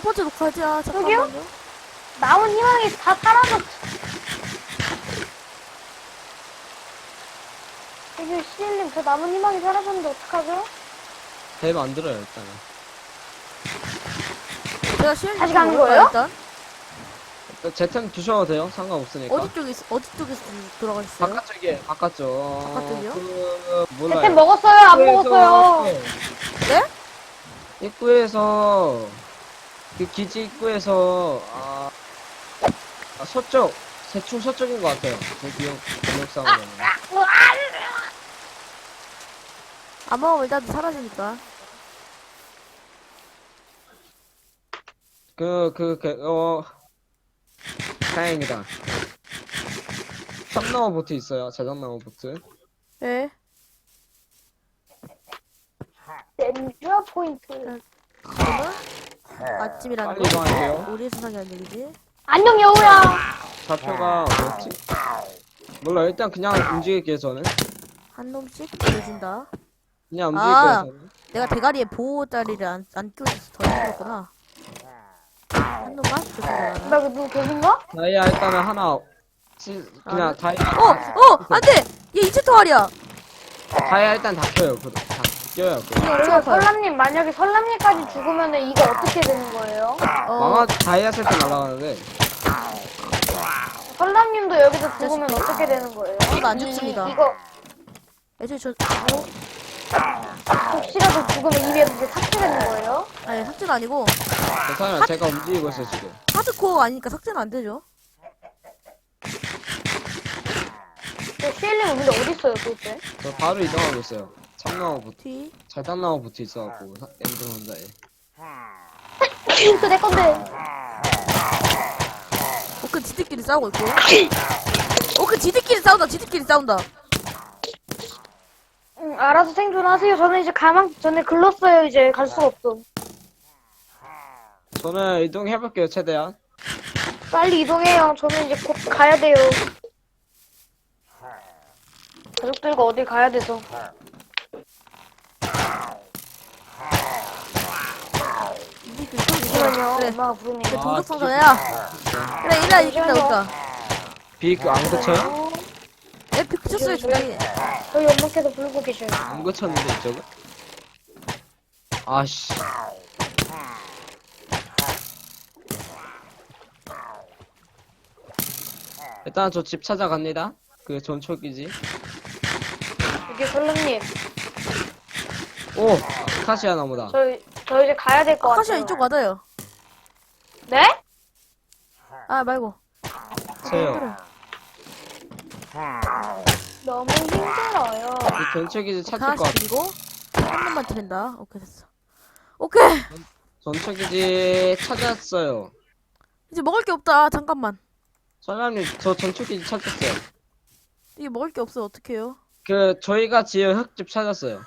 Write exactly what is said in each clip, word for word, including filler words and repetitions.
번째 녹화지야. 저기요? 잠깐만요. 남은 희망이 다 사라졌어. 이게 시일님 저 남은 희망이 사라졌는데 어떡하죠? 배 만들어요 일단은. 제가 시험 다시 가는 거예요? 일단 제템 두셔도 돼요. 상관없으니까. 어디 쪽에 있- 어디 쪽에서 돌아가 있어요? 바깥쪽에 바깥쪽. 바깥쪽이요? 그 몰라요. 제템 먹었어요? 안 입구에서- 먹었어요? 네? 입구에서 그 기지 입구에서 아, 아 서쪽 대충 서쪽인 것 같아요. 제 기억 기억상으로는. 안 먹으면 일단 사라지니까. 그, 그, 그, 어, 다행이다. 참나무 보트 있어요. 자작나무 보트. 예. 렌즈와 포인트. 그러면 아침이라는 빨리 이동할게요. 거. 우리 세상이라는 얘기지. 안녕 여우야. 좌표가 뭐였지? 몰라. 일단 그냥 움직일게요. 저는 한 놈씩 보여준다. 그냥 아. 움직일게요. 저는. 내가 대가리에 보호자리를 안, 안 끼워줘서 더 힘들었구나. 한 놈만? 좋습니다. 나 누구 계신가? 다이아 일단은 하나 치, 그냥 아. 다이아 어! 어! 안 돼! 얘 이체 토알이야! 다이아 일단 다 켜요. 그, 다 껴요. 그. 이거 이거 아파요. 설람님 만약에 설람님까지 죽으면은 이거 어떻게 되는 거예요? 어, 망아 다이아 세트 날아가는데 설람님도 여기서 죽으면 어떻게 되는 거예요? 저도 안 이- 죽습니다. 이거 애초에 저, 혹시라도 죽으면 이게 이제 삭제되는 거예요? 아니, 삭제는 아니고, 괜찮아요. 제가 움직이고 있어요 지금. 하드코어가 아니니까 삭제는 안 되죠. 저 시일님은 근데 어디 있어요 도대체? 저 바로 이동하고 있어요. 참나무 보트. 뒤. 자작나무 보트 있어갖고 엔드 혼자에. 그내 건데. 오크 지들끼리 싸우고 있고. 오크 지들끼리 싸운다, 지들끼리 싸운다. 응, 알아서 생존하세요. 저는 이제 가망 전에 글렀어요. 이제 갈 수가 없어. 저는 이동해볼게요 최대한. 빨리 이동해요. 저는 이제 곧 가야 돼요. 가족들과 어딜 가야 돼서. 지들끼리 싸우고 있어. 잠시만요. 그래. 엄마가 부르네. 그래, 아, 동족 상전해야. 그래, 일라 이긴다, 우리가. 비안 그쳐요? 어, 에, 피 그쳤어요, 중간에. 저희 엄마께서 부르고 계셔요. 안 그쳤는데 이쪽은? 아씨. 일단 저 집 찾아갑니다. 그 전초기지. 이게 설람님. 오! 카시아 나무다. 저, 저 이제 가야 될 것 같아요. 카시아 이쪽 맞아요. 네? 아, 말고. 세요. 너무 힘들어요. 이 전초기지 찾을 것 하나씩 같아. 그리고, 한 놈만 드린다. 오케이, 됐어. 오케이! 전초기지 찾았어요. 이제 먹을 게 없다. 잠깐만. 설람님, 저 전초기지 찾았어요. 이게 먹을 게 없어. 어떡해요? 그, 저희가 지은 흙집 찾았어요.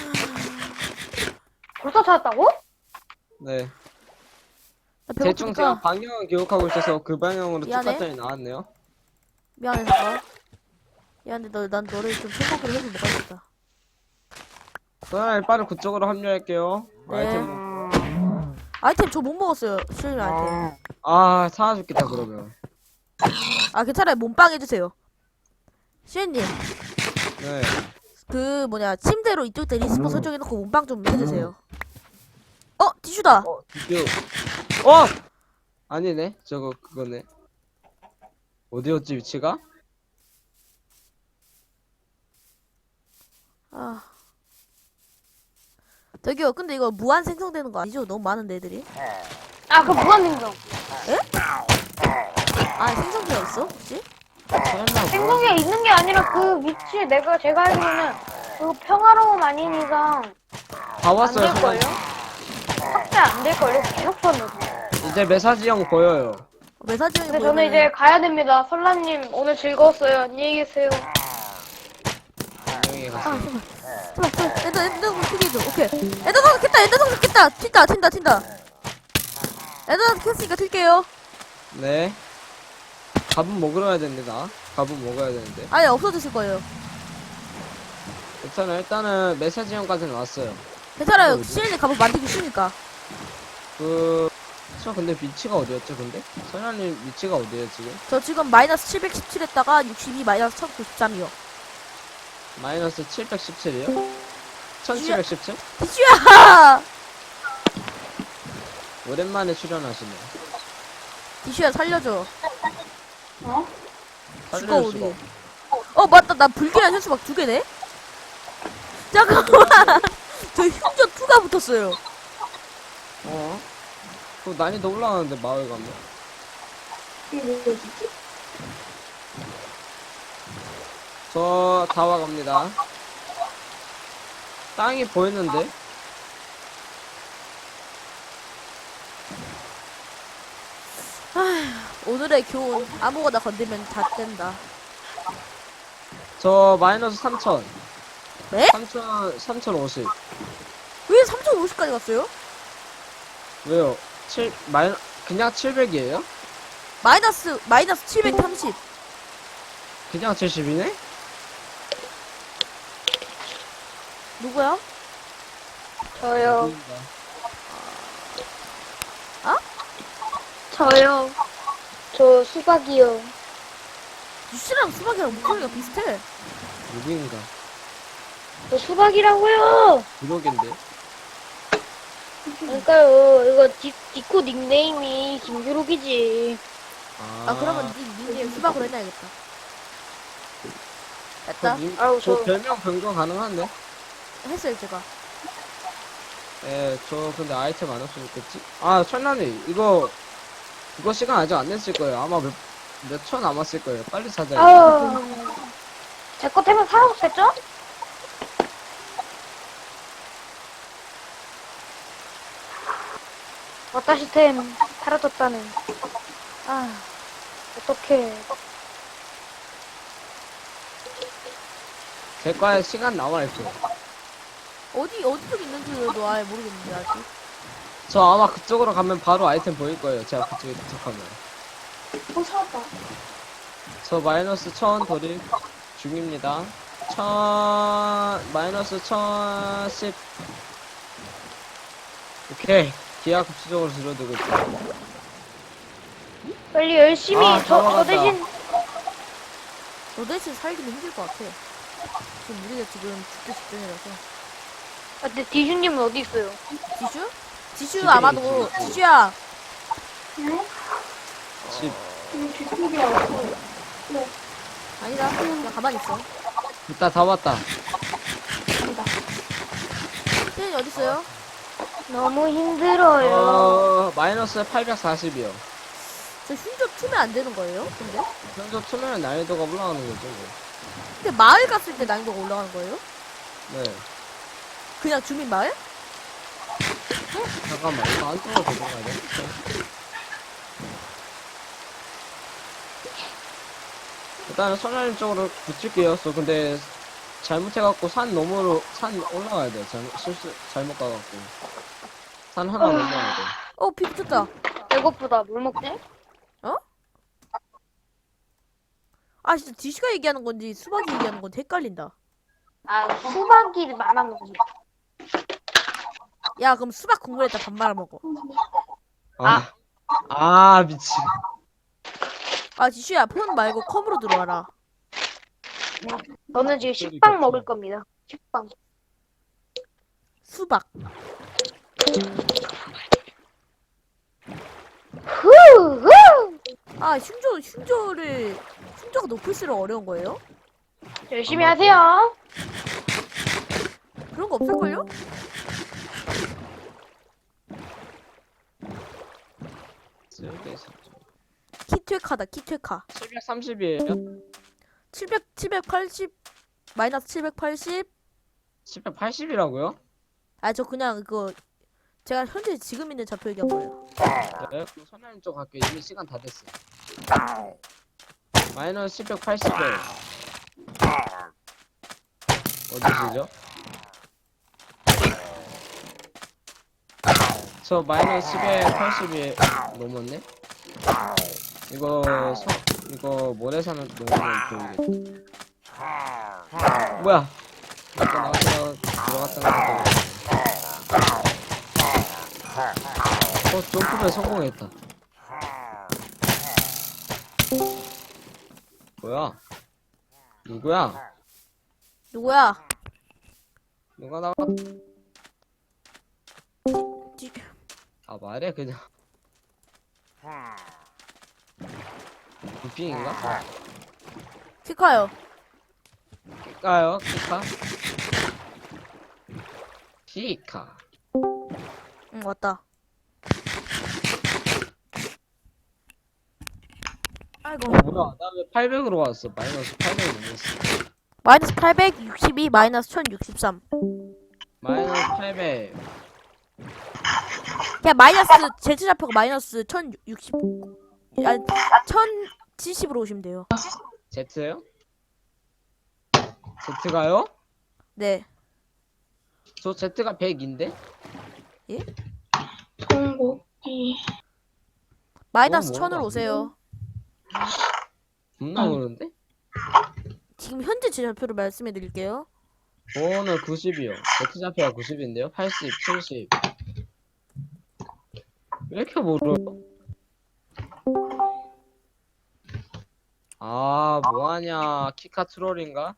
벌써 찾았다고? 네. 나 대충 제가 배고프니까. 방향을 기억하고 있어서 그 방향으로 쭉 미안해. 갔더니 나왔네요. 미안해, 잠깐. 미안해, 너, 난 너를 좀 생각을 해서 먹어야겠다. 설람님, 빠른 그쪽으로 합류할게요. 네. 아이템. 아이템 저 못 먹었어요. 실례 아이템. 아, 사와줬겠다, 그러면. 아, 괜찮아요. 몸빵 해주세요. 시엔님, 네. 그, 뭐냐, 침대로 이쪽 때 리스폰 설정해놓고 몸빵 좀 해주세요. 어, 티슈다! 어, 드디어. 어! 아니네. 저거, 그거네. 어디였지, 위치가? 아. 저기요, 근데 이거 무한 생성되는 거 아니죠? 너무 많은데, 애들이. 아, 그 무한생성. 아, 생성기가 있어? 혹시? 설마, 뭐. 생성에 있는 게 아니라 그 위치에 내가, 제가 알기로는 그 평화로움 아닌 이상 다 왔어요, 안 될걸요? 설마. 확대 안 될걸요? 계속 쳤는데. 이제 메사지형 보여요. 메사지형이 근데 저는 이제 가야 됩니다. 설라님, 오늘 즐거웠어요. 안녕히 계세요. 안녕히 아, 가세요. 잠깐만. 잠깐만, 잠깐만. 엔더, 엔더 성크기죠 오케이. 엔더 성켰다 엔더 성켰다 튄다, 튄다, 튄다. 엔더 성켰으니까 튈게요. 네. 밥은 먹으러 가야 됩니다. 밥은 먹어야 되는데. 아예 없어졌을 거예요. 괜찮아요. 일단은 메사지형까지는 왔어요. 괜찮아요. 어디? 시엔이 갑옷 만들기 쉬우니까. 그, 저 근데 위치가 어디였죠, 근데? 선현님 위치가 어디에요, 지금? 저 지금 마이너스 칠백십칠 했다가 육십이 마이너스 천구십삼이요. 마이너스 칠백십칠이요? 천칠백십칠? 디슈야! 오랜만에 출연하시네. 디슈야 살려줘. 어? 죽어 살릴 우리. 수가. 어 맞다 나 불길한 현수막 두 개네. 잠깐만. 저 흉조 이가 붙었어요. 어? 그 난이도 올라가는데, 마을 가면. 저, 다 와갑니다. 땅이 보이는데? 오늘의 교훈 아무거나 건들면 다 뗀다. 저, 마이너스 삼천. 네? 삼천, 삼천오십. 왜 삼천오십까지 갔어요? 왜요? 칠, 마이, 그냥 칠백이에요? 마이너스 마이너스 칠백삼십. 그냥 칠십이네? 누구야? 저요. 어? 저요. 저 수박이요. 유씨랑 수박이랑 목소리가 비슷해. 누구인가? 저 수박이라고요. 부록인데? 그러니까요. 이거 디, 디코 닉네임이 김규록이지. 아, 아 그러면 니 닉네임 수박으로 해놔야겠다. 됐다. 저, 님- 아우, 저 저- 별명 변경 가능한데? 했어요 제가. 예, 저 근데 아이템 안 없으면 좋겠지? 아, 천란이, 이거, 그거 시간 아직 안 됐을 거예요. 아마 몇, 몇 초 남았을 거예요. 빨리 찾아야 돼. 아우. 제거 태면 사라졌겠죠? 와타시 템 사라졌다네. 아, 어떡해. 제 과에 시간 남아있어요. 어디 어디 쪽 있는지도 아예 모르겠는데 아직. 저 아마 그쪽으로 가면 바로 아이템 보일 거예요. 제가 그쪽에 도착하면. 어, 사왔다. 저 마이너스 천 돌입 중입니다. 천, 마이너스 천십. 오케이. 기하 급수적으로 줄어들고 있죠. 빨리 열심히, 아, 저, 저 넘어간다. 대신, 너 대신 살기는 힘들 것 같아. 지금 우리가 지금 죽기 직전이라서. 아, 근데 디슈님은 어디 있어요? 지슈? 지슈 집에 아마도 있지. 지슈야. 집. 아니다. 그냥 가만히 있어. 이따 다 왔다. 태연이 어디 있어요? 너무 힘들어요. 어, 마이너스 팔백사십이요. 저 흉조 투면 안 되는 거예요? 근데? 현재 투면 난이도가 올라가는 거죠. 뭐. 근데 마을 갔을 때 난이도가 올라가는 거예요? 네. 그냥 주민 마을? 잠깐만, 이거 안쪽으로 들어가야 돼. 일단은 선생님 쪽으로 붙일게요. 저 근데 잘못해갖고 산 너머로, 산 올라가야 돼. 잘못, 실수, 잘못 가갖고. 산 하나 넘어야 돼. 어, 비 붙었다. 배고프다. 뭘 먹지? 아, 진짜 디슈가 얘기하는 건지 수박이 얘기하는 건지 헷갈린다. 아, 수박이 말하는 거지. 야, 그럼 수박 국물에다 밥 말아 먹어. 아, 아, 미친. 아, 지슈야, 폰 말고 컴으로 들어와라. 저는 지금 식빵 먹을 겁니다. 식빵. 수박. 후, 후! 아, 흉조, 흉조를, 흉조가 높을수록 어려운 거예요? 열심히 하세요. 그런 거 없을걸요? 키퇴카다, 키퇴카. 칠백삼십이에요? 칠백, 칠백팔십, 마이너스 칠백팔십. 칠백팔십이라고요? 아, 저 그냥 그거, 제가 현재 지금 있는 좌표 얘기한 거예요. 네, 그럼 선생님 쪽 갈게요. 이미 시간 다 됐어. 마이너스 칠백팔십에 어디시죠? 저 마이너스 칠백팔십이 넘었네? 이거 서, 이거 모래사는 넘으면 보이겠지. 뭐야? 나갔다 나갔다 들어갔다 나갔다. 저 어, 점프를 성공했다. 뭐야? 누구야? 누구야? 누가 나가? 지- 아, 말해, 그냥. 부핑인가? 키카요. 키카요? 키카? 키카. 응, 왔다. 아이고. 어, 뭐야? 나 왜 팔백으로 왔어? 마이너스 팔백이 넘었어. 마이너스 팔백육십이, 마이너스 천육십삼. 마이너스 팔백. 그냥 마이너스, Z 좌표가 마이너스 천육십, 아니, 천칠십으로 오시면 돼요. Z요? Z가요? 네. 저 Z가 백인데? 송곳니. 마이너스 어, 천으로 뭐가 오세요. 겁나 그런데? 지금 현재 제 좌표를 말씀해 드릴게요. 오늘 구십이요. Z 좌표가 구십인데요? 팔십, 칠십. 왜 이렇게 모르요? 아, 뭐하냐. 키카 트롤인가?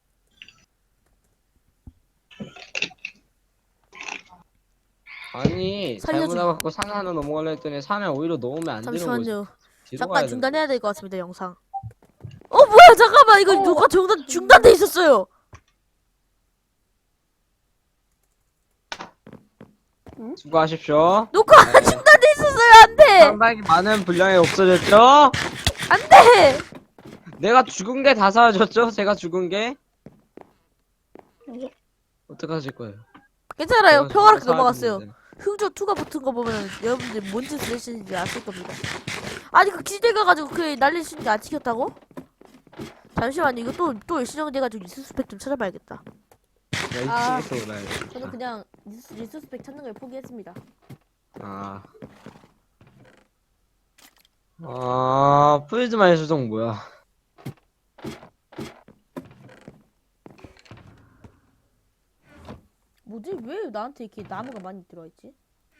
아니, 잘못 살려줘. 와갖고 산 하나 넘어가려 했더니 산에 오히려 넘으면 안 되는 거지. 잠시만요. 뒤로 잠깐 가야 중단해야 될 것 같습니다, 영상. 어, 뭐야, 잠깐만. 이거 녹화 중단, 중단돼 있었어요. 되는 수고하십시오. 녹화 네. 중단돼 있었어요. 안 돼. 상당히 많은 분량이 없어졌죠? 안 돼. 내가 죽은 게 다 사라졌죠? 제가 죽은 게? 어떡하실 거예요? 괜찮아요. 제가 평화롭게 죽은 게 넘어갔어요. 사라졌는데. 흥조 투가 붙은 거 보면 여러분들 뭔 짓을 하시는지 아실 겁니다. 아니 그 기대 가가지고 그 날리시는 게 안 찍혔다고? 잠시만요. 이거 또 또 일시정돼가지고 리스스펙 좀 찾아봐야겠다. 야, 아. 이 치겠어, 오라이. 저는 그냥 리스, 리스스펙 찾는 걸 포기했습니다. 아. 아, 프리즈마의 수정 뭐야? 뭐지? 왜 나한테 이렇게 나무가 많이 들어있지?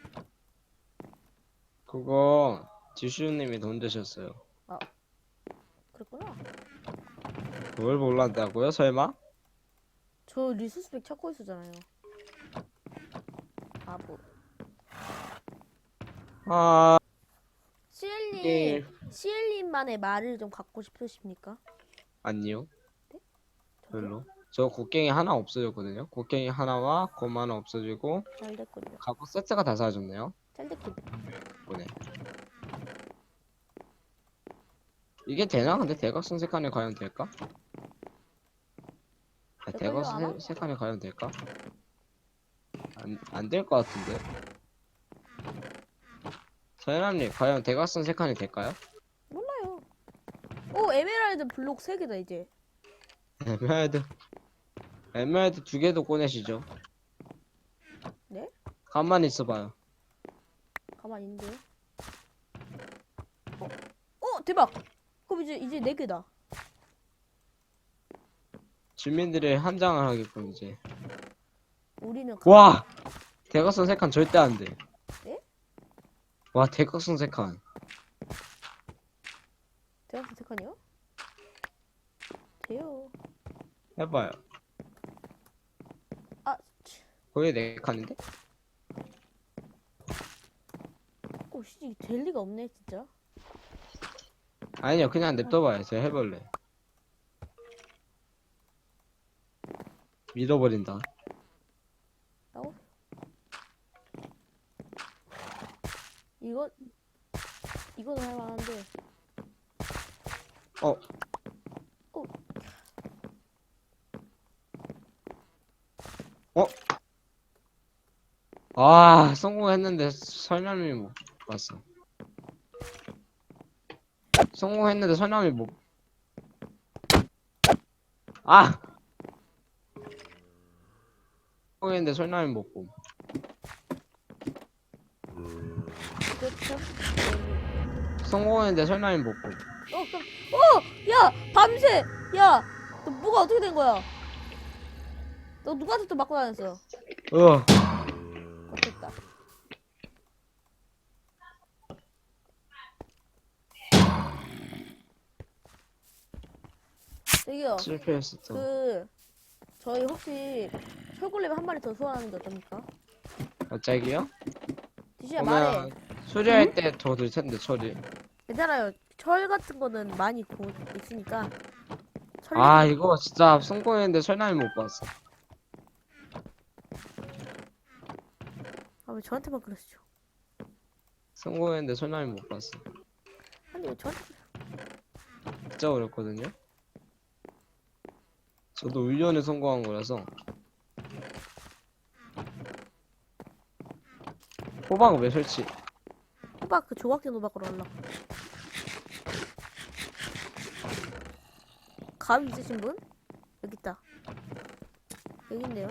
그거, 지슈님이 돈 되셨어요. 그랬구나. 그걸 몰랐다고요, 설마? 저 리스스펙 찾고 있었잖아요. 아 뭐. 아, 시엘님, 예. 시엘님만의 말을 좀 갖고 싶으십니까? 아니요. 저기요? 별로. 저 곡괭이 하나 없어졌거든요. 곡괭이 하나와 곰 하나 없어지고, 잘 됐군요. 갑옷 세트가 다 사라졌네요. 잘 됐군요. 보네. 이게 되나? 근데 대각선 색깔이 과연 될까? 아, 될걸요, 아마? 대각선 세- 색깔이 과연 될까? 안, 안 될 것 같은데. 서현아님, 과연 대각선 색깔이 될까요? 몰라요. 오, 에메랄드 블록 세 개다 이제. 에메랄드. 에메랄드 두 개도 꺼내시죠. 네? 가만히 있어봐요. 가만히 있는데요. 어, 어 대박. 그럼 이제 이제 네 개다. 주민들이 한장을 하겠군, 이제. 우리는 가... 와! 대각선 색깔 절대 안 돼. 네? 와, 대각선 색깔. 대학 선택하니요? 돼요. 해봐요. 아, 치. 거의 네 칸인데? 오, 씨, 될 리가 없네 진짜. 아니요, 그냥 냅둬봐요. 제가 해볼래. 믿어버린다. 나오. 이거 이거는 할만한데. 어. 어. 어? 아, 성공했는데 설명이 못 봤어. 성공했는데 설명이 못. 아! 성공했는데 설명이 못 봄. 그렇죠. 성공했는데 설명이 못 봄. 어, 깜... 어, 야, 밤새, 야, 너 뭐가 어떻게 된 거야? 너 누구한테 또 맞고 다녔어? 어. 어쨌다. 저기요. 실패했어 또. 그 저희 혹시 철골렘 한 마리 더 소환하는 게 어떻습니까? 갑자기요? 디시야 말해. 그러면 수리할 때 더 들 텐데 처리. 괜찮아요. 철 같은 거는 많이 고 있으니까. 철 아 이거 진짜 성공했는데 설날이 못 봤어. 아, 왜 저한테만 그러시죠? 성공했는데 설날이 못 봤어. 아니 왜 저한테 진짜 어렵거든요. 저도 훈련에 성공한 거라서. 호박 왜 설치? 호박 그 조각된 호박으로 하려고. 가위 있으신 분? 여기 있다. 여기 있네요.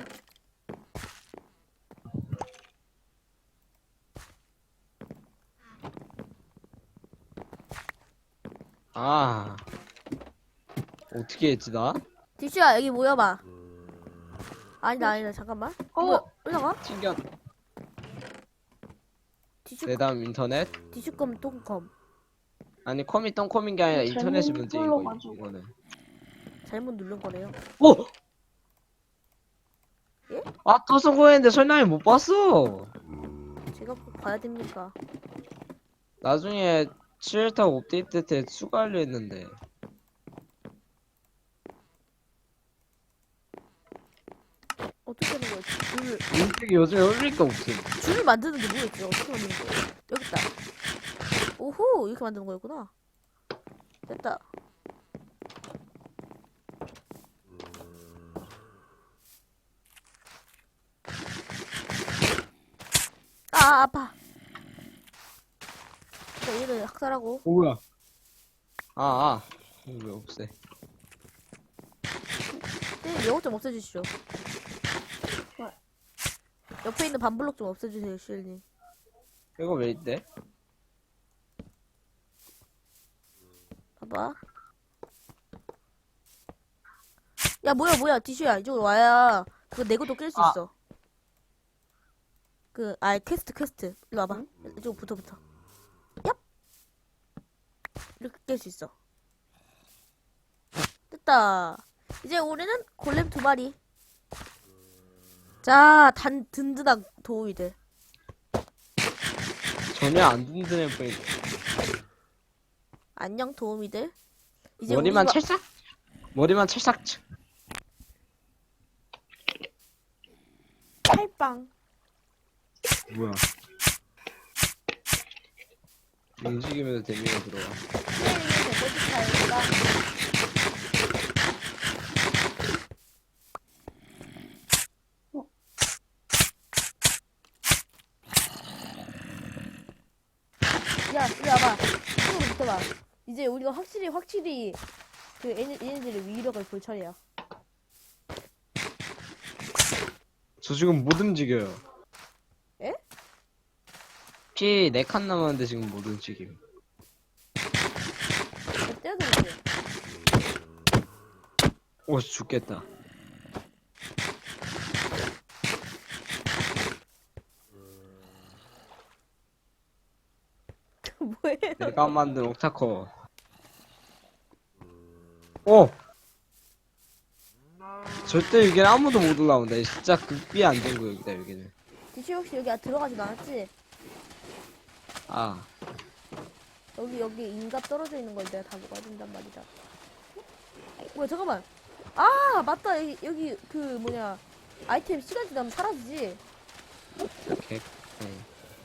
아 어떻게 했지 나? 디슈야 여기 모여봐. 아니다 아니다 잠깐만. 어? 뭐야 올라가? 튕겨. 디슈 내담 인터넷? 디슈컴 똥컴. 아니 컴이 똥컴인 게 아니라 인터넷이 잘못 문제인 거 눌러가지고. 이거는. 잘못 누른 거네요. 오! 예? 아 또 성공했는데 설날이 못 봤어. 제가 꼭 봐야 됩니까? 나중에 칠타고 업데이트 때 추가하려 했는데. 어떻게 하는 거야? 줄을 인식이 요즘에 올릴 게 없음. 줄을 만드는 게 뭐였지? 어떻게 만드는 거야? 여기 있다. 오호 이렇게 만드는 거였구나. 됐다. 아 아파. 자, 얘를 학살하고. 어, 뭐야? 아, 아. 이거 왜 없애? 네, 이것 좀 없애주시죠. 옆에 있는 반블록 좀 없애주세요, 시엘님. 이거 왜 있대? 봐봐. 야, 뭐야, 뭐야, 디슈야. 이쪽으로 와야 그거 내고도 깰 수 아. 있어. 그, 아, 퀘스트, 퀘스트. 일로 와봐. 이쪽 붙어, 붙어. 얍! 이렇게 깰 수 있어. 됐다. 이제 우리는 골렘 두 마리. 자, 단, 든든한 도우이들. 전혀 안 든든해 보이네. 안녕, 도우미들. 이제 머리만 우리가- 찰싹? 머리만 찰싹. 쳐. 칼빵. 뭐야? 움직이면서 데미가 들어와. 야, 이리 와봐. 이쪽으로 붙어봐. 이제 우리가 확실히, 확실히, 그, 얘네, 얘네들의 위력을 볼 차례야. 저 지금 못 움직여요. 에? 피 네 칸 남았는데 지금 못 움직임. 저 떼어드릴게. 오, 죽겠다. 뭐예요? 내가 만든 옥타커. 오! 절대 여기는 아무도 못 올라온다. 진짜 극비 안 된 구역이다, 여기는. 디슈 혹시 여기 들어가진 않았지? 아, 여기, 여기 인갑 떨어져 있는 걸 내가 다 먹어야 된단 말이다. 뭐야, 잠깐만. 아, 맞다. 여기, 여기, 그, 뭐냐. 아이템 시간 지나면 사라지지? 개, 네.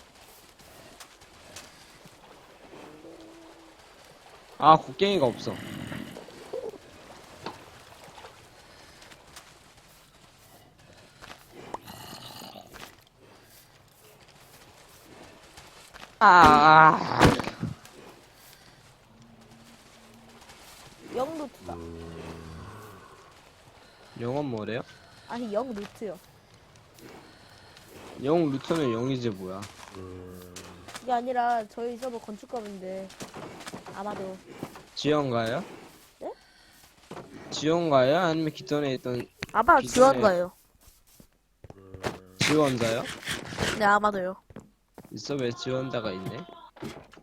아, 곡괭이가 없어. 아, 영 루트다. 영은 뭐래요? 아니, 영 루트요. 영 루터는 영이지 뭐야. 그게 아니라 저희 서버 건축가인데 아마도 지원가요? 네? 지원가요? 아니면 기존에 있던 아마 기존에- 지원가예요. 지원자요? 네, 아마도요. 있어 왜 지원자가 있네?